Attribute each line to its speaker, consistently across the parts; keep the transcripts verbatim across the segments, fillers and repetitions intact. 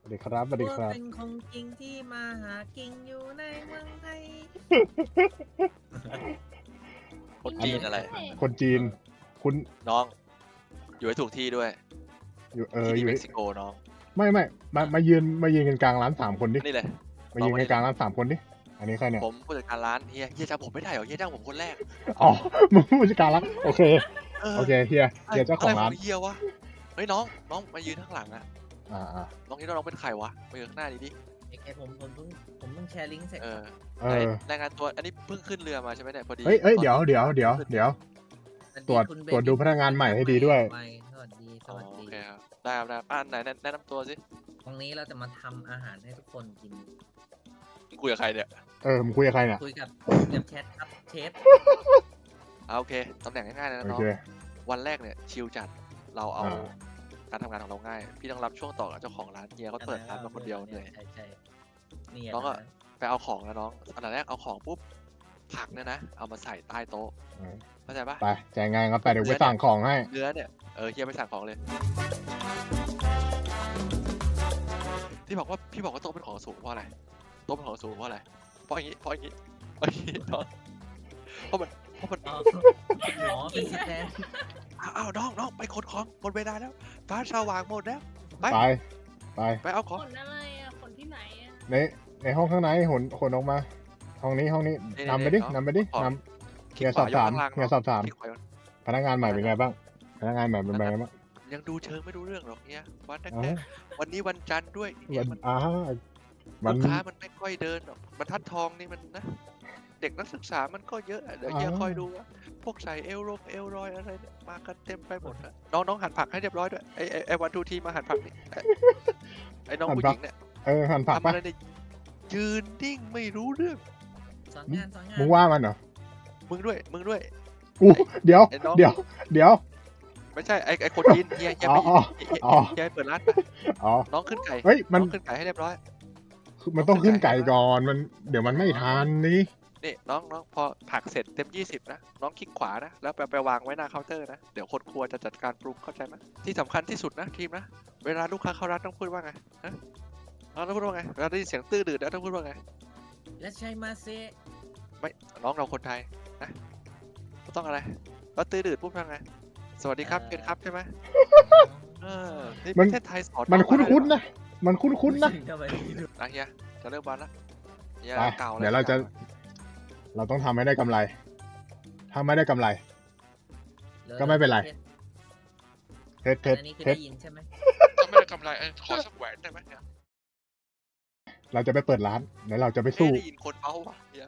Speaker 1: สวัสดีครับสวัสดี
Speaker 2: ว่า
Speaker 1: ครับ
Speaker 2: เป็นของจริงที่มาหากินอยู่ในเมืองไทย
Speaker 3: คนจีนอะไร
Speaker 1: คนจีน คุณ
Speaker 3: น้อง อยู่ให้ถูกที่ด้วย
Speaker 1: อยู่เออ
Speaker 3: ที่
Speaker 1: อ
Speaker 3: นี่
Speaker 1: ยู่
Speaker 3: เม็กซิโกน้อง
Speaker 1: ไม่ไม่มามายืนมายืนกันกลางร้านสามคนดิ
Speaker 3: นี่เลย
Speaker 1: มายืนกันกลางร้านสามคนดิอันนี้ใครเนี่ย
Speaker 3: ผมผู้จัดการร้านเฮียเฮียจำผมไม่ได้เหรอเฮียจ้างผมคนแรก
Speaker 1: อ๋อมึงผู้จัดการร้านโอเค
Speaker 3: เออ
Speaker 1: โอเคเฮียเฮียเจ้าของร้าน
Speaker 3: ะไเฮียวะเฮ้ยน้องน้องมายืนข้างหลังอะ
Speaker 1: อ่าอ่า
Speaker 3: น้องคิดว่าน้องเป็นใครวะมายืนข้างหน้าดิดิ
Speaker 2: ไอ้แกผมผมเพิ่งผมเพิ่งแชร์ลิงก์เสร็จ
Speaker 3: เออ
Speaker 1: เอ
Speaker 3: ไหน
Speaker 1: อ
Speaker 3: รายงานตัวอันนี้เพิ่งขึ้นเรือมาใช่ไหมเนี่ยพอดี
Speaker 1: เฮ้ยเอ้ย
Speaker 3: ตอน
Speaker 1: เดี๋ยวเดี๋ยวเดี๋ยวเดี๋ยว
Speaker 2: สส
Speaker 1: ตรวจ
Speaker 2: คุณเบ
Speaker 1: ตรวจดูพนักงานใหม่ให้ดีด้วย
Speaker 2: ใหม่สวัสดีส
Speaker 3: อ๋อ
Speaker 2: วัส
Speaker 3: โอ
Speaker 2: ดี
Speaker 3: เคครับได้ครับได้ครับอ่าไหนแนะแนะนำตัวสิ
Speaker 2: ตรงนี้เราจะมาทำอาหารให้ทุกคนกิน
Speaker 3: คุยกับใครเนี่ย
Speaker 1: เออมึงคุยกับใครเนี่ย
Speaker 2: คุยกับคุยกับแชทครับเชฟ
Speaker 3: อ่าโอเคตำแหน่งง่ายๆเลยนะ
Speaker 1: โอ
Speaker 3: น้อง
Speaker 1: เค
Speaker 3: วันแรกเนี่ยชิลจัดเราเอา
Speaker 1: อ่า
Speaker 3: การทำงานของเราง่าย พี่ต้องรับช่วงต่อกับเจ้าของร้านเฮียเขาเปิดร้านมาคนเดียวเหนื่อย
Speaker 2: ใช่ใช่นี่
Speaker 3: น้องอะ ไปเอาของนะน้องอันดับแรกเอาของปุ๊บผักเนี่ยนะเอามาใส่ใต้โต๊ะ
Speaker 1: เออ
Speaker 3: เข้าใจปะ
Speaker 1: ไปจ่ายงานครับไปเดี๋ยวไปสั่งของให้
Speaker 3: เนื้อเนี่ยเออเฮียไปสั่งของเลย ที่บอกว่าพี่บอกว่าโต๊ะเป็นของสูงเพราะอะไรโต๊ะเป็นของสูงเพราะอะไรเพราะอย่างนี้เพราะอย่างนี้เพราะอย่างนี้น้องเพราะมันเพราะมัน
Speaker 2: อ๋ออ๋อเป็นสแตน
Speaker 3: อ้าวอ้าวน้องน้องไปขนของหมดเวลาแล้วฟ้าสว่างหมดแล้วไป
Speaker 1: ไปไป
Speaker 3: ไปเอาของ
Speaker 4: ขนอะไรอ่ะขนที่ไหนอ่ะ
Speaker 1: ในในห้องข้างในขนขนออกมา ห้องนี้ห้องนี้นำไปดินำไปดินำเฮียสอบถามเฮียสอบถาม
Speaker 3: คลิกขวายก
Speaker 1: พนักงานใหม่เป็นไงบ้าง พนักงานใหม่เป็นไงบ้าง
Speaker 3: ยังดูเชิงไม่รู้เรื่องหรอกเนี่ยวันแร
Speaker 1: อ๋อก
Speaker 3: ๆวันนี้วันจันทร์ด้วยเนี่
Speaker 1: วั
Speaker 3: ย
Speaker 1: น
Speaker 3: มัน
Speaker 1: อ่าวั
Speaker 3: ลู
Speaker 1: น
Speaker 3: กค้ามันไม่ค่อยเดินหรอกบรรทัดทองนี่มันนะ เด็กนักศึกษามันก็เยอะอะเดี๋ยวเฮีย
Speaker 1: อ่า
Speaker 3: คอยดูว่าพวกใส่เอลลงเอลรอยอะไรเนี่ยมากันเต็มไปหมดอะน้องน้องหั่นผักให้เรียบร้อยด้วยไอไอไอวันทูทีมาหั่นผักนี่ไอ้ไอน้องผู้หญิงเนี่ย
Speaker 1: เออหันผัก
Speaker 3: ทำ
Speaker 1: ปะ
Speaker 3: อะไรเนี่ยยืนนิ่งไม่รู้เรื่อง
Speaker 2: สอนงานสอนงาน
Speaker 1: มึงว่ามันเหรอ
Speaker 3: มึงด้วยมึงด้วย
Speaker 1: กูเดี๋ยว
Speaker 3: ไอ้น้อง
Speaker 1: เดี๋ยวเดี๋ยว
Speaker 3: ไม่ใช่ไอไอคนจีนเฮียเฮีย
Speaker 1: อ๋
Speaker 3: ไป
Speaker 1: ออ๋อ
Speaker 3: เฮียเฮีย
Speaker 1: อ๋อ
Speaker 3: เฮียเปิดร้านไป
Speaker 1: อ๋อ
Speaker 3: น้องขึ้นไก่
Speaker 1: เฮ้ยมัน
Speaker 3: น้องขึ้นไก่ให้เรียบร้อย
Speaker 1: คือมันต้องขึ้นไก่ก่อนมันเดี๋ยวมันไม่ทันนี่
Speaker 3: นี่น้องน้องพอผักเสร็จเต็มยี่สิบนะน้องคลิกขวานะแล้วไปไปวางไว้หน้าเคาน์เตอร์นะเดี๋ยวคนครัวจะจัดการปรุงเข้าใจไหมที่สำคัญที่สุดนะทีมนะเวลาลูกค้าเข้าร้านต้องพูดว่าไงฮะน้องต้องพูดว่าไงเวลาได้ยินเสียงตื้อดื้อแล้วต้องพูดว่าไง
Speaker 2: และใช่มาเซ
Speaker 3: ไม่น้องเราคนไทยนะต้องอะไรแล้วตื้อดื้อพูดว่าไงสวัสดีครับเป็นครับใช่ไหมเออนี่ประเทศไทยสอน
Speaker 1: มัน
Speaker 3: อง
Speaker 1: คุ้นๆ
Speaker 3: ได้หรอ
Speaker 1: นะมันคุ้นๆนะ
Speaker 2: ทำไมไม่รู้
Speaker 3: นะเฮียจะเริ่มวันละเฮีย
Speaker 1: ไป
Speaker 3: เก่าแล้ว
Speaker 1: เดี๋ยวเราจะ เราต้องทำให้ได้กำไร ถ้าไม่ได้กำไร ก็ไม่เป็นไร เทสเทส
Speaker 2: อันนี้คือ
Speaker 1: เทส
Speaker 2: ได้ยินใช่ไหม
Speaker 3: ก็ไม่ได้กำไรเออขอสักแหวนได้ไหมเนี่ย
Speaker 1: เราจะไปเปิดร้านเดี๋ยวเราจะไป
Speaker 3: ไม่
Speaker 1: สู้
Speaker 3: ได้ยินคนเบ้าวะเฮีย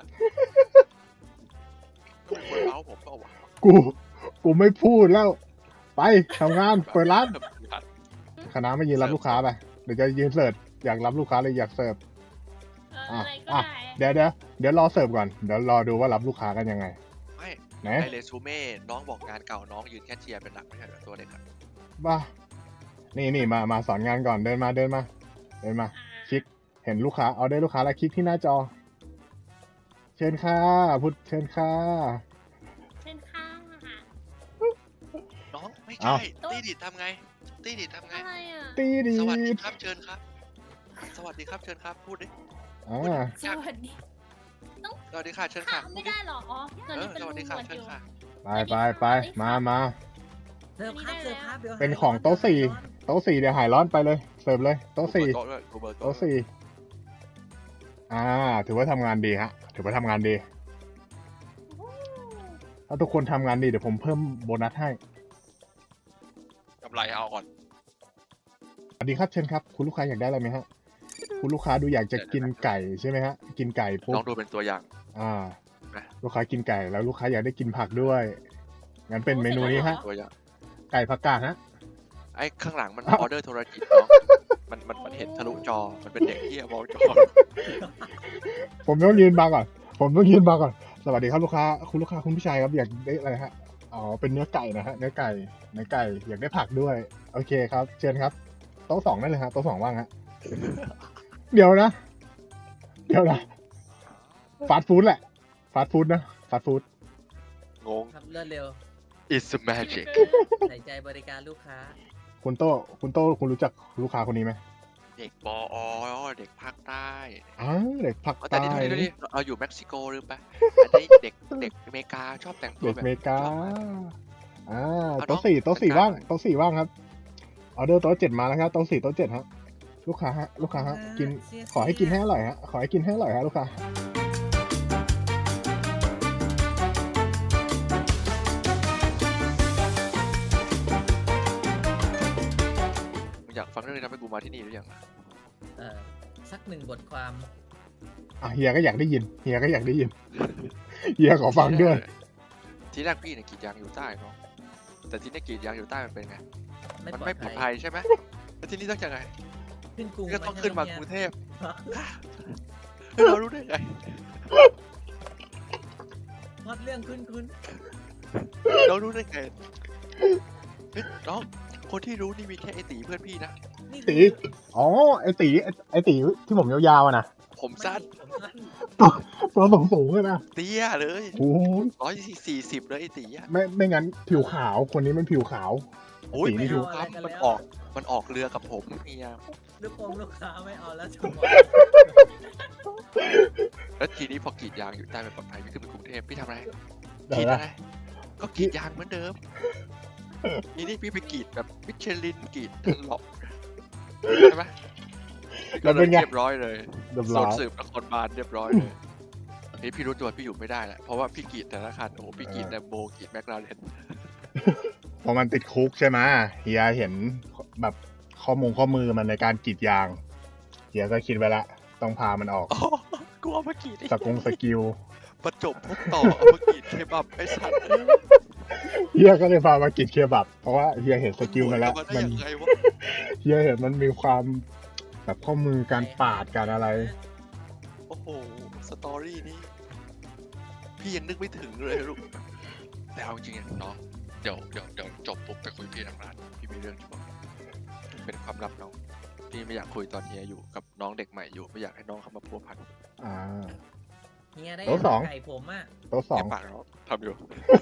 Speaker 3: ต้องเป็นคนเบ้าผมเปล่าวะ
Speaker 1: กู กูไม่พูดแล้ว ไปทำงานเปิดร้าน คณะไม่ยืนรับลูกค้าไปเดี๋ยวจะยืนเสิร์ฟอยากรับลูกค้าเลยอยากเสิร์ฟ
Speaker 4: เออ
Speaker 1: อ่ะ
Speaker 4: อะไรก็
Speaker 1: อ่ะ
Speaker 4: ได้
Speaker 1: เดี๋ยวเดี๋ยวเดี๋ยวรอเสิร์ฟก่อนเดี๋ยวรอดูว่ารับลูกค้ากันยังไง
Speaker 3: ไม่
Speaker 1: ไหน
Speaker 3: ในเรซูเม่น้องบอกงานเก่าน้องยืนแค่เชียร์เป็นหลักไม่ใช่เหรอตัวเด็กอะ
Speaker 1: บ้านี่นี่มามาสอนงานก่อนเดินมาเดินมา เดินมา
Speaker 4: อ่ะ
Speaker 1: คลิกเห็นลูกค้าเอาได้ลูกค้าแล้วคลิกที่หน้าจอ เชิญค่ะพุทธเชิญค่ะ
Speaker 4: เช่นข้างอะค่ะ
Speaker 3: น้องไม่
Speaker 1: เอ้า
Speaker 3: ใช่ตีดิดทำไงตีดิดทำไง
Speaker 4: อะไรอ่ะ
Speaker 1: ตีดี
Speaker 3: สวัสดีครับเชิญครับ สวัสดีครับเชิญครับพูดดิ
Speaker 1: อ่า
Speaker 4: สวัสดี
Speaker 3: สวัสดีค่ะเชิญ
Speaker 4: ค่ะ
Speaker 3: ค่ะพู
Speaker 4: ไม่
Speaker 3: ดดิ
Speaker 4: ได้หรออ๋อตอน
Speaker 3: เอ
Speaker 4: นี้
Speaker 3: อ
Speaker 4: เป็น
Speaker 3: ส
Speaker 4: ลุ
Speaker 3: วัสดี
Speaker 4: ง
Speaker 3: ค่ะ
Speaker 4: หนวด
Speaker 3: เชิ
Speaker 4: อ
Speaker 3: ญ
Speaker 4: ยู่
Speaker 3: ค่ะ
Speaker 1: ไปไปไปมามา
Speaker 2: เสิร์ฟครับเสิร์ฟครับเดี๋ยว
Speaker 1: เป็นของโต๊ะสี่โต๊ะสี่เดี๋ยวหายร้อนไปเลยเสิร์ฟเลยโต๊ะสี่
Speaker 3: โต๊ะด้วยดูเบอร์โต๊ะ
Speaker 1: โต๊ะสี่อ่า ถือว่าทำงานดีฮะ ถือว่าทำงานดี
Speaker 4: โอ้
Speaker 1: ถ้าทุกคนทำงานดีเดี๋ยวผมเพิ่มโบนัสให้
Speaker 3: กำไรเอาก่อน
Speaker 1: สวัสดีครับเชิญครับ คุณลูกค้าอยากได้อะไรไหมฮะ คุณลูกค้าดูอยากจะกินไก่ใช่ไหมฮะ กินไก่ปุ๊บ
Speaker 3: น้องดูเป็นตัวอย่าง
Speaker 1: อ่า
Speaker 3: นะ
Speaker 1: ลูกค้ากินไก่แล้วลูกค้าอยากได้กินผักด้วย งั้นเป็นเมนูนี้ฮะ
Speaker 3: ตัวอย่าง
Speaker 1: ไก่ผักกาดฮะ
Speaker 3: ไอ้ข้างหลังมัน
Speaker 1: อ้าว
Speaker 3: ออเดอร์โทรจิตน้องมันมันมันเห็นทะลุจอมันเป็นเด็กที่มองจอ
Speaker 1: ผมต้องยืนบังก่อน ผมต้องยืนบังก่อน สวัสดีครับลูกค้า คุณลูกค้าคุณผู้ชายครับอยากได้อะไรฮะ อ๋อ เป็นเนื้อไก่นะฮะ เนื้อไก่ เนื้อไก่ อยากได้ผักด้วย โอเคครับ เชิญครับ โต๊ะสองได้เลยฮะ โต๊ะสองว่างฮะ เดี๋ยวนะ เดี๋ยวนะ ฟาสต์ฟู้ดแหละ ฟาสต์ฟู้ดนะ ฟาสต์ฟู้ด
Speaker 3: งง
Speaker 2: ทำเลือดเร็ว
Speaker 3: it's a magic
Speaker 2: ใส่ใจบริการลูกค้า
Speaker 1: คุณโต้คุณโต้คุณรู้จักลูกค้าคนนี้ไหม
Speaker 3: เด็กปออเด็กภาคใต้
Speaker 1: อ้าวเด็กภาค
Speaker 3: แต่
Speaker 1: ใต้
Speaker 3: นี่ดูดิเราอยู่เม็กซิโกลืมไปอันนี้เด็กเด็กอเมริกาชอบแต่งตัว
Speaker 1: เด็ก
Speaker 3: แบ
Speaker 1: อบ เมริกา
Speaker 3: ชอบมาก
Speaker 1: อ่า
Speaker 3: เอาน้อง
Speaker 1: โต๊ะสี่โต๊ะสี่
Speaker 3: จัดการ
Speaker 1: ว่าง
Speaker 3: หน่อย
Speaker 1: โต๊ะสี่ว่างครับออเดอร์โต๊ะเจ็ดมาแล้วครับโต๊ะสี่โต๊ะเจ็ดฮะลูกค้าฮะลูกค้าฮะกิน
Speaker 2: เสีย
Speaker 1: ขอให้กินให้
Speaker 2: เสีย
Speaker 1: อร่อยฮะขอให้กินให้อร่อยฮะลูกค้า
Speaker 3: มึงอยากฟังเรื่องนี้ทำให้กูมาที่นี่หรือยังอะ
Speaker 2: เออสักหนึ่งบทความ
Speaker 1: อ่ะเฮียก็อยากได้ยินเฮียก็อยากได้ยิน เฮียขอฟังด้วย
Speaker 3: ทีแรกพี่เนี่ยกรีดยางอยู่ใต้เนาะแต่ทีนี้กรีดยางอยู่ใต้มันเป็นไง
Speaker 2: ไม่
Speaker 3: มัน
Speaker 2: ปลอ
Speaker 3: ไม่
Speaker 2: ด
Speaker 3: ปลอด
Speaker 2: ภั
Speaker 3: ภั
Speaker 2: ย
Speaker 3: ยใช่ไหมแล้วทีนี้ต้องยังไง
Speaker 2: ขึ้นกรุง
Speaker 3: ก็ต้องขึ้นมากรุงเทพ
Speaker 2: พ
Speaker 3: เรารู้ได้ไง
Speaker 2: พอดเรื่องขึ้นขึ้น
Speaker 3: เรารู้ได้ไงเฮ้ยน้องคนที่รู้นี่มีแค่ไอตีเพื่อนพี่นะ
Speaker 2: นี่
Speaker 1: ตีอ๋อไอตีไอ้ไอตีที่ผมยาวๆอะนะ
Speaker 3: ผมสั้น
Speaker 2: ผมสั้น
Speaker 1: ตัวสูงสูงๆเลยนะ
Speaker 3: เตี้ยเลย
Speaker 1: โอ้ย
Speaker 3: ร้อยสี่สิบเลยไอตีอะ
Speaker 1: ไม่ไม่งั้นผิวขาวคนนี้มันผิวขาว
Speaker 3: โอ้ย
Speaker 1: ตีนี่
Speaker 3: ไม่
Speaker 1: ดู
Speaker 3: รู้ครับมันออกมันออกเรือกับผมเฮีย
Speaker 2: ลูกคงลูกค้าไม่เอาแล้วจังหวะ
Speaker 3: แล้วทีนี้พอกรีดยางอยู่ใต้เป็นปลอดภัยพี่ขึ้นไปกรุงเทพพี่ทำอะไร
Speaker 1: เดี๋
Speaker 3: กรี
Speaker 1: ยว
Speaker 3: ด
Speaker 1: นะ
Speaker 3: อะไรก็กรีดยางเหมือนเดิมนี่นี่พี่ไปกรีดแบบมิชลินกรีดทันหลอกใช่ไหม
Speaker 1: แล้วเป็นไง
Speaker 3: เรียบร้อยเลย
Speaker 1: เรียบ
Speaker 3: โซ
Speaker 1: ร้อน ย
Speaker 3: สืบนครบาลเรียบร้อยเลยนี่พี่รู้ตัวพี่อยู่ไม่ได้แหละเพราะว่าพี่กรีดแต่ละคันโอ้โหพี่กรีดแลมโบกรีดแมคลาเรน
Speaker 1: พอมันติดคุกใช่ไหมเฮียเห็นแบบข้อมูลข้อมือมันในการกรีดยางเฮียก็คิดไว้ละต้องพามันออก
Speaker 3: อ๋อกูเอามากรีดไอ้
Speaker 1: สกงสกิล
Speaker 3: ประจบพกต่อเอามากรีดเคบับไอ้สัตว์เอ้ย
Speaker 1: เฮียก็เลยพามากรีดเคบับเพราะว่าเฮียเห็นสกิลมันแล้ว
Speaker 3: เอาาได้
Speaker 1: มัน
Speaker 3: ยังไงวะ
Speaker 1: เฮียเห็นมันมีความแบบข้อมือการปาดการอะไร
Speaker 3: โอ้โหสตอรี่นี้พี่ยังนึกไม่ถึงเลยลูกแต่เอาจริงๆน้องเดี๋ยวเดี๋ยวเดี๋ยวจบปุ๊บไปคุยพี่ทางร้านพี่มีเรื่องจะบอกเป็นความลับน้องพี่ไม่อยากคุยตอนเฮียอยู่กับน้องเด็กใหม่อยู่ไม่อยากให้น้องเข้ามาพัวพัน
Speaker 1: อ่า
Speaker 2: เฮียได้
Speaker 1: โต๊ะสอง
Speaker 2: ไก่ผมอ่ะ
Speaker 1: โต๊ะสอ
Speaker 3: เฮี
Speaker 1: ง
Speaker 3: ยปากน้องทำอยู่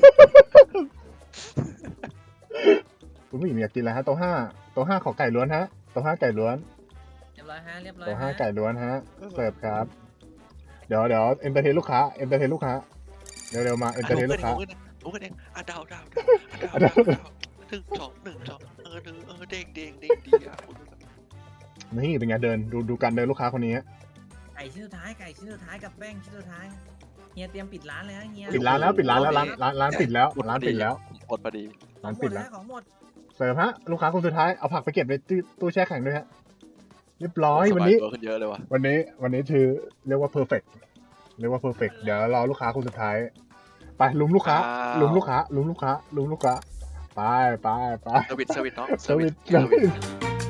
Speaker 1: คุณผู้หญิงอยากกินอะไรฮะโต๊ะห้าโต๊ะห้าขอไก่ล้วนฮะโต๊ะห้าไก่ล้วน
Speaker 2: เรียบร้อยฮะเรียบร้อย
Speaker 1: โต๊ะห้า
Speaker 2: ฮะ
Speaker 1: ไก่ล้วนฮะเสิร์ฟครับ เดี๋ยวเดี๋ยวเอนเตอร์เทนลูกค้าเอนเตอร์เทนลูกค้าเร็วๆมาเอนเตอร์เทนลูกค้า
Speaker 3: รู้กันเองอ่ะดาวดาวดาวดาวดาวดาวหนึ่งสองหนึ่งสองเออหนึ่งเออเด้งเด้งเด้งดีอ่ะ
Speaker 1: นี่เป็นไงเดินดูดูการเดินลูกค้าคนนี้ฮะ
Speaker 2: ไก่ชิ้นสุดท้ายไก่ชิ้นสุดท้ายกับแป้งชิ้นสุดท้ายเฮียเตรียมปิดร้านเลยฮะเฮีย
Speaker 1: ปิดร้านแล้วปิดร้านแล้วร้านร้านร้านปิดแล้วร้านปิดแล้ว
Speaker 3: ผมอดพอดี
Speaker 2: ขอ
Speaker 1: ร้าง น
Speaker 2: หม
Speaker 1: ปิ
Speaker 2: ด
Speaker 1: ด
Speaker 2: แล้
Speaker 1: แล้ว ว
Speaker 2: ของหมด
Speaker 1: เสิร์ฟฮะลูกค้าคนสุดท้ายเอาผักไปเก็บในตู้ตู้แช่แข็งด้วยฮะเรียบร้อยวันนี้
Speaker 3: สบายตัวขึ้นเยอะเลยว่ะ
Speaker 1: วันนี้วันนี้คือเรียกว่าเพอร์เฟกเรียกว่าเพอร์เฟกเดี๋ยวรอลูกค้าคนสุดท้ายไปลุมลูกค้าลุมลูกค้าลุมลูกค้าลุมลูกค้าไปไปไป
Speaker 3: เซอร์วิสเซอร์วิสน้อง
Speaker 1: เซอร์วิส
Speaker 3: เซอร์วิส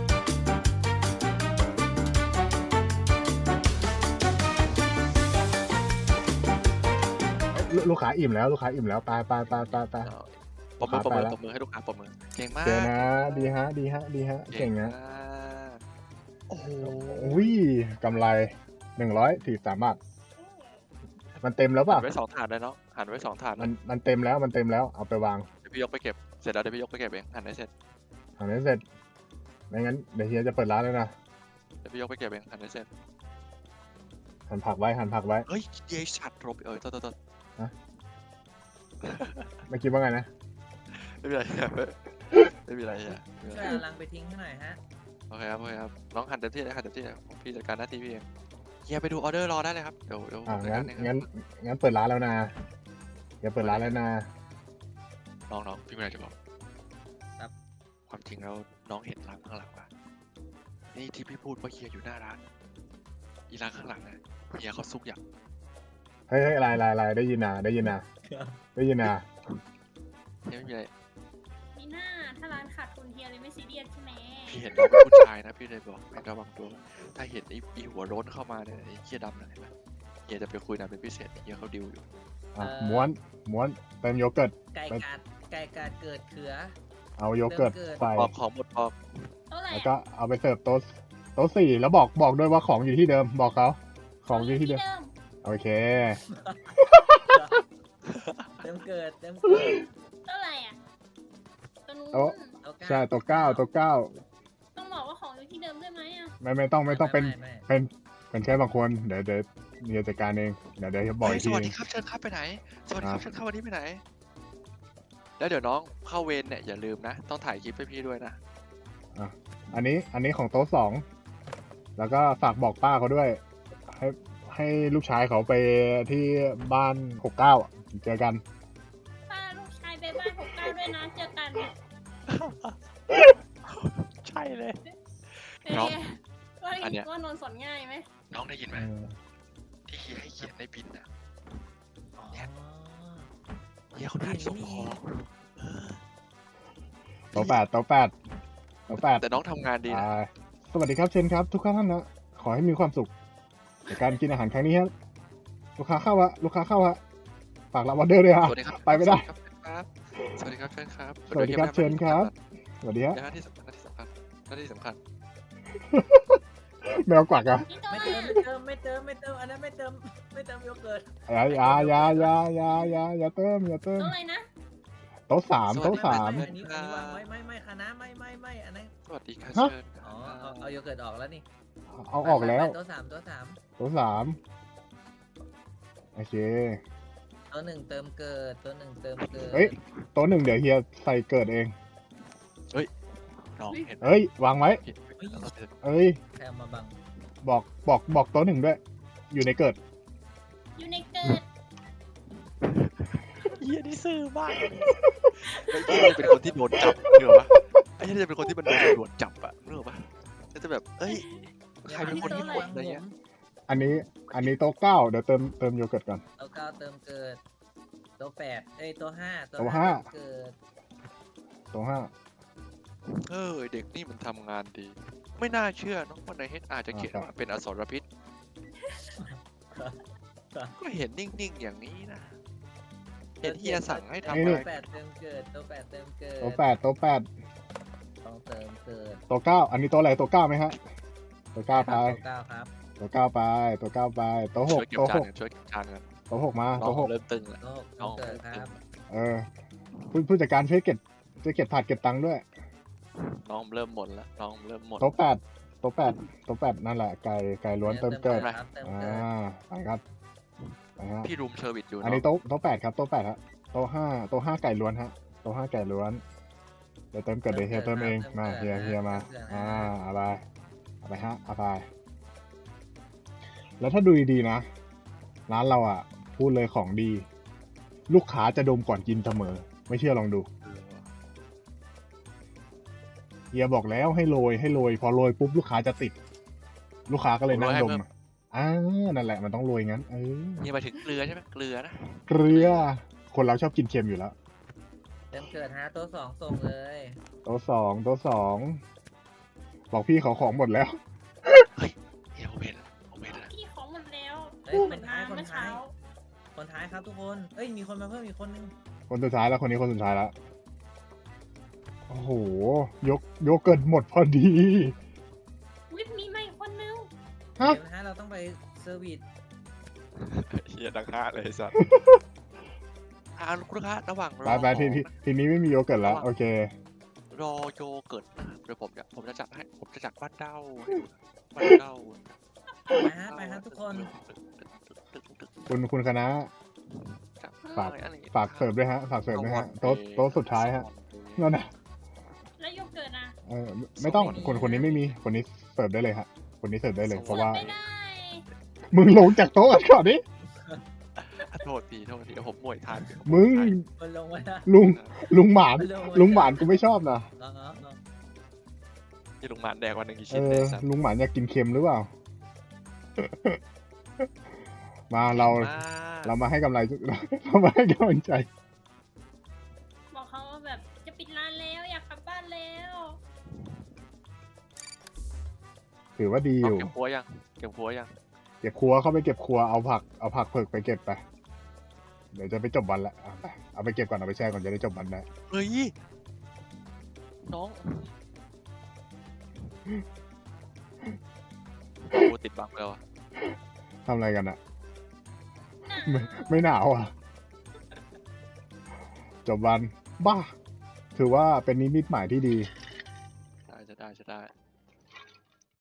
Speaker 1: ลูลูกค้าอิ่มแล้วลูกค้าอิ่มแล้วไปไปไปไปไป
Speaker 3: ปมมือปมมือ
Speaker 1: ไปแล้ว
Speaker 3: ปมมือให้ลูกค้าปมมือเก่งมาก
Speaker 1: เจอนะดีฮะดีฮะดีฮะเก่งนะ
Speaker 3: มากโอ้โห
Speaker 1: อุ้ยกำไรหนึ่งร้อยสี่สามบาทมันเต็มแล้ว
Speaker 3: หั
Speaker 1: ป่ะ
Speaker 3: นไว้สองถาดเลยเนาะหันไว้สองถาด
Speaker 1: มัน
Speaker 3: นะ
Speaker 1: มันเต็มแล้วมันเต็มแล้วเอาไปวาง
Speaker 3: เดี๋ยวพี่ยกไปเก็บเสร็จแล้วเดี๋ยวพี่ยกไปเก็บเองหันให้เสร็จ
Speaker 1: อันนี้เสร็จไม่งั้นเดี๋ยวเฮียจะเปิดร้านแล้วนะ
Speaker 3: เดี๋ยวพี่ยกไปเก็บเองหันให้เสร็จ
Speaker 1: หั่นผักไว้หั่นผักไว้
Speaker 3: เฮ้ยเยชัดรบเออโทษโทษโทษ
Speaker 1: ไม่คิดว่าไงนะ
Speaker 3: ไม่มีอะไรไม่มีอะไรอ่ะไม่มีอะไร
Speaker 2: ช่วยเอาลังไปทิ้งให้หน่อยฮะ
Speaker 3: โอเคครับโอเคครับน้องหันเต็มที่เลยหันเต็มที่เลยผมพี่จัดการหน้าที่พี่เองเฮียไปดูออเดอร์รอได้เลยครับเดี๋ยวเดี๋ยว
Speaker 1: อ่า
Speaker 3: ผมจัด
Speaker 1: งั้
Speaker 3: กาน รเองครับ
Speaker 1: งั้นงั้นเปิดร้านแล้วนะอย่าเปิดร้านแล้วนะ
Speaker 3: น้องน้องพี่ไม่ได้จะบอก
Speaker 2: ครับ
Speaker 3: ความจริงแล้วน้องเห็นร้านข้างหลังป่ะนี่ที่พี่พูดว่าเฮียอยู่หน้าร้านอีร้านข้างหลังนะเฮียเขาซุกอย่าง
Speaker 1: เฮ้ยเฮ้ยอะไรอะไรอะไรได้ยินนะได้ยินนะได้ยินนะ
Speaker 3: เฮียไม่มีอะไร
Speaker 4: มีหน้าถ้าร้านขาดทุนเฮียเลยไม่ซีเรียสใช่ไหม
Speaker 3: พี่เห็นน้องเป็นผู้ชายนะพี่เลยบอกให้ระวังตัวถ้าเห็นไอ้ไอ้หัวโล้นเข้ามาเนี่ยไอ้เฮียดำนะเห็นไหมเฮียจะไปคุยนานเป็นพิเศษเฮียเขาดิวอยู่
Speaker 1: อ่ะม้วนม้วนเติมโยเกิร์ต
Speaker 2: ไก่กาดไก่กาดเกิดเขือ
Speaker 1: เอาโยเกิร์ต
Speaker 2: เติมเกิร์ต
Speaker 1: ใส่
Speaker 3: พอกของหมดพอก
Speaker 4: เท่าไหร่
Speaker 1: แล้วก็เอาไปเสิร์ฟโต๊ะโต๊ะสี่แล้วบอกบอกด้วยว่าของอยู่ที่เดิมบอกเขาของอยู่ที่เดิมโอเค
Speaker 2: เต็มเกิดเต็มเกิด
Speaker 4: เท่าไหร่อ่ะตัวนู้น
Speaker 1: โต๊ะ
Speaker 2: เอาก้า
Speaker 1: ใช่โต๊ะเก้าโต๊ะเก้า
Speaker 4: ต้องบอกว่าของอยู่ที่เดิมด้วยไหมอ่ะ
Speaker 1: ไม่ไม่ต้องไม่ต้องเป็น
Speaker 2: ไม่
Speaker 1: เป็นเป็นแค่บางคนเดี๋ยวเดี๋ยวเฮียจัดการเองเดี๋ยวเดี๋ยวจะบอก
Speaker 3: เฮ้
Speaker 1: อี
Speaker 3: ย
Speaker 1: ก
Speaker 3: ส
Speaker 1: ที
Speaker 3: วัสดีครับเชิญครับไปไหน สวัสดีครับ
Speaker 1: อ่ะ
Speaker 3: เชิญครับวันนี้ไปไหน แล้วเดี๋ยวน้องเข้าเวรเนี่ยอย่าลืมนะ ต้องถ่ายคลิปให้พี่ด้วยนะ
Speaker 1: อันนี้อันนี้ของโต๊ะสองแล้วก็ฝากบอกป้าเขาด้วย ให้ให้ลูกชายเขาไปที่บ้านหกเก้าเจอกัน
Speaker 4: ป้าลูกชายไปบ้านหกเก้าด้วยนะเจอกัน
Speaker 3: ใช่เลย
Speaker 4: เอ๊ะ
Speaker 3: น้อง
Speaker 4: ว่า
Speaker 3: อันเนี้ย
Speaker 4: ว่านนท์สอนง่ายไหม
Speaker 3: น้องได้ยินไหม
Speaker 1: เออ
Speaker 3: ที่เฮียให้เขียนในบินน่ะ
Speaker 2: อ๋อ
Speaker 3: เฮียเขาได้ส่งของ
Speaker 1: โต๊ะแปดโต๊ะแปดโต๊ะแปด
Speaker 3: แต่น้องทำงานดีนะ
Speaker 1: อ่าสวัสดีครับเชนครับ ทุกท่านนะขอให้มีความสุขในการกินอาหารครั้งนี้ครับลูกค้าเข้าฮะลูกค้าเข้าฮะฝากรับออเดอร์ด้วยฮะ
Speaker 3: สวัสดีครับ
Speaker 1: ไปไม่ได้
Speaker 3: สวัสดีครับเชิญครับ
Speaker 1: สวัสดีครับเชิญครับ สวัสดีฮะ
Speaker 3: หน้าที่สำคัญหน้าที่สำคัญหน้าที่สำคัญ
Speaker 1: แมวกวักอะ
Speaker 4: พี่โต
Speaker 2: ไม่
Speaker 4: มา
Speaker 2: เติมไม่เติมไม่เติมไม่เติมอันนั้นไม่เติมไม่เติมโยเกิร์ต
Speaker 1: อย่าอย่าอย่าอย่าอย่าอย่าอย่าเติมอย่าเติม
Speaker 4: โต๊ะอะไรนะ
Speaker 1: โต๊ะสามโต๊ะสาม
Speaker 2: ไไอันนี้อันนี้วางไว้ไม่ไม่คณะไม่ไม่ไม่อันนั้น
Speaker 3: สวัสดีครับ
Speaker 1: ฮะ
Speaker 3: เชิญ
Speaker 2: อ๋อเอาเอาโยเกิร์ตออกแล้วนี่
Speaker 1: เอาออกแล้ว
Speaker 2: ไปไปตัวสามตัวสาม
Speaker 1: โต๊ะสามโอเค
Speaker 2: ตัวหนึ่งเติมเกิดตัวหนึ่งเติมเกิด
Speaker 1: เฮ้ย โต๊ะหนึ่งเดี๋ยวเฮียใส่เกิดเอง
Speaker 3: น้องเห็นไหม
Speaker 1: เอ้ยวางไว้
Speaker 3: เห็นไหมเราเห็น
Speaker 1: เอ้ย
Speaker 2: แค่เอามาบัง
Speaker 1: บอกบอกบอกโต๊ะหนึ่งด้วย อยู่ในเกิด
Speaker 4: อยู่ในเกิด
Speaker 3: เฮียนี่ซื่อมากไอ้เฮียจะเป็นคนที่โดนจับเนกอะปะไอ้เฮียจะเป็นคนที่มันโดนตำรวจจับอะเนกอะปะก็จะแบบเอ้ย ใครเป็นคนที่
Speaker 2: วาง
Speaker 3: อะไรเงี้ย
Speaker 1: อันนี้ อันนี้โต๊ะเก้าเดี๋ยวเติมเติมโยเกิร์ตก่อน
Speaker 2: ตัวเก้าเติมเกิดตัวแปดเอ้ยตัวห้า
Speaker 1: ตัวห้า
Speaker 2: เติมเกิด
Speaker 1: โต๊ะห้า
Speaker 3: เออเด็กนี่มันทำงานดี ไม่น่าเชื่อเนอะว่าในเฮดอาจจะเขียนว่าเป็นอสรพิษ ก็เห็นนิ่งๆอย่างนี้นะ เห็นเฮียสั่งให้ทำ
Speaker 2: ตั
Speaker 3: อะ
Speaker 2: ว
Speaker 3: ไร
Speaker 2: แปดเติมเกิดตัวแปดเติมเกิด
Speaker 1: โต๊ะแปดโต๊ะแปด
Speaker 2: ต้องเติมเกิด
Speaker 1: โต๊ะเก้าอันนี้โต๊ะอะไรโต๊ะเก้าไหมฮะโต๊ะเก้าไป
Speaker 2: ตัวเก้าครับ
Speaker 1: โต๊ะเก้าไปโต๊ะเก้าไปโต๊ะห
Speaker 3: ช่
Speaker 1: ก
Speaker 3: วยเก็บ
Speaker 1: โต๊ะ
Speaker 3: จา
Speaker 1: ห
Speaker 3: น
Speaker 1: ก
Speaker 3: กันช่วยเก็บจานกัน
Speaker 1: โต๊ะหกมา
Speaker 3: น้อง
Speaker 1: โต๊ะหก
Speaker 3: เริ่มตึงแล้ว
Speaker 2: ตัวหก
Speaker 3: น้
Speaker 2: ต้
Speaker 3: อ
Speaker 2: อง งเกิ
Speaker 3: เริ่
Speaker 2: ด
Speaker 3: ม
Speaker 2: ค
Speaker 3: ตึ
Speaker 2: รั
Speaker 3: ง
Speaker 2: บ
Speaker 1: เออผู้ผู้จัดการช่วยเก็บช่วยเก็บถาดเก็บตังค์ด้วย
Speaker 3: น้องเริ่มหมดแล้วน้องเริ่มหมด
Speaker 1: โต๊ะแปดโต๊ะแปดโต๊ะแปดนั่นแหละไก่ไก่ล้วนเติมเกิด
Speaker 2: ครับเติม
Speaker 1: อ่า
Speaker 2: เกิด
Speaker 1: ไปครับไปฮะ
Speaker 3: พี่รูมเชอร์วิสอยู่
Speaker 1: อัน
Speaker 3: เนาะ
Speaker 1: นี้โต๊ะโต๊ะแปดครับโต๊ะแปดฮะโต๊ะห้าโต๊ะห้าไก่ล้วนฮะโต๊ะห้าไก่ล้วนเดี๋ยวเติมเกิดเดี๋ยวเฮียเติมเองมาเฮียเฮียมาอ่าเอาไปเอาไปฮะเอาไปแล้วถ้าดูดีๆนะร้านเราอ่ะ พูดเลยของดี ลูกค้าจะดมก่อนกินเสมอ ไม่เชื่อลองดู
Speaker 3: เออว่ะ
Speaker 1: เฮียบอกแล้วให้โรยให้โรยพอโรยปุ๊บลูกค้าจะติด ลูกค้าก็เลยนั่งดมอ่านั่นแหละมันต้องโรยงั้นเออ
Speaker 3: นี่หมายถึงเกลือใช่ไหมเกลือนะ
Speaker 1: เกลือ คนเราชอบกินเค็มอยู่แล้ว
Speaker 2: เติมเกิดฮะตัวสองส่งเลย
Speaker 1: โต๊ะสองโต๊ะสองบอกพี่เขาของหมดแล้ว
Speaker 3: เฮียผมเห็นแล้วผมเห็นแล้ว
Speaker 4: พี่ของหมดแล้ว
Speaker 2: เอ้ย
Speaker 4: เห
Speaker 2: ค
Speaker 4: มือน น
Speaker 2: ท้าย
Speaker 4: มา
Speaker 2: คน
Speaker 4: เมื่อ
Speaker 2: ท้า
Speaker 4: เช้า
Speaker 2: ยคนท้ายครับทุกคนเอ้ยมีคนมาเพิ่มอีกคนนึง
Speaker 1: คนสุดท้ายแล้วคนนี้คนสุดท้ายแล้วโอ้โหยกยกเกินหมดพอดี
Speaker 4: วิทมีใหม่คนนึง
Speaker 1: ฮะ
Speaker 2: เดี๋ยวนะฮะเราต้องไปเซอร์วิส
Speaker 3: เฮียดังห้าเลยสัสอ่าคุณลูกค้าระหว่างร
Speaker 1: ไป
Speaker 3: อ
Speaker 1: ไปทีทีทีนี้ไม่มีโยเกิร์ตแล้วโอเค
Speaker 3: รอโยเกิร์ตนะเดี๋ยวผมจะผมจะจัดให้ผมจะจัดบ้านเด้าให้ดูนะบ้านเด้า
Speaker 2: ไปฮะไปฮะทุกคน
Speaker 1: คุณคุณคณะ ฝาก
Speaker 3: อะไรอย่งงี้ย
Speaker 1: ฝากเสิร์ฟด้วยฮะฝากเสิร์ฟด้วยฮะโต๊ะโต๊ะสุดท้ายฮะนั่นนะ
Speaker 4: แล้วโยเกิร์ตนะ
Speaker 1: เออไม่ไม่ต้องคนคนนี้ไม่มีคนนี้เสิร์ฟได้เลยฮะคนนี้เสิร์ฟได้เลยเพราะว่า
Speaker 4: ไม่ได้
Speaker 1: มึงลงจากโต๊ะกันก่อนดิ
Speaker 3: โทษทีโทษทีเดี๋ยวผมหมวยทานอยู่
Speaker 1: มึง
Speaker 2: คนลงไว้นะ
Speaker 1: ลุงลุงหมาน
Speaker 2: คนลงไว้
Speaker 1: ลุงหมานกูไม่ชอบนะ
Speaker 2: ลองเอาลอง
Speaker 3: ที่ลุงหมานแดกวันหนึ่งกี่
Speaker 1: เอ
Speaker 3: ชิ้น
Speaker 1: อ
Speaker 3: เลยสัส
Speaker 1: ลุงหมานอยากกินเค็มหรือเปล่า มาเรา
Speaker 3: มก
Speaker 1: เรามาให้กำไร เรามาให้กำลังใจ
Speaker 4: บอกเขาว่าแบบจะปิดร้านแล้วอยากกลับบ้านแล้ว
Speaker 1: ถือว่าดีอ
Speaker 3: เอา
Speaker 1: ยู่
Speaker 3: เก็บหัวยังเก็บหัวยัง
Speaker 1: เก็บครัวเข้าไปเก็บครัวเอาผักเอาผักเผือกไปเก็บไป เดี๋ยวจะไปจบวันละเอาไปเอาไปเก็บก่อนเอาไปแช่ก่อนจะได้จบวันได้
Speaker 3: เฮ้ยน้องโอ้ติดบังแล้วอะ
Speaker 1: ทำอะไรกันอะ
Speaker 4: หนาว
Speaker 1: ไม่ไม่หนาวอ่ะ จบวัน บ้า ถือว่าเป็นนิมิตหมายที่ดี
Speaker 3: ได้จะได้จะได้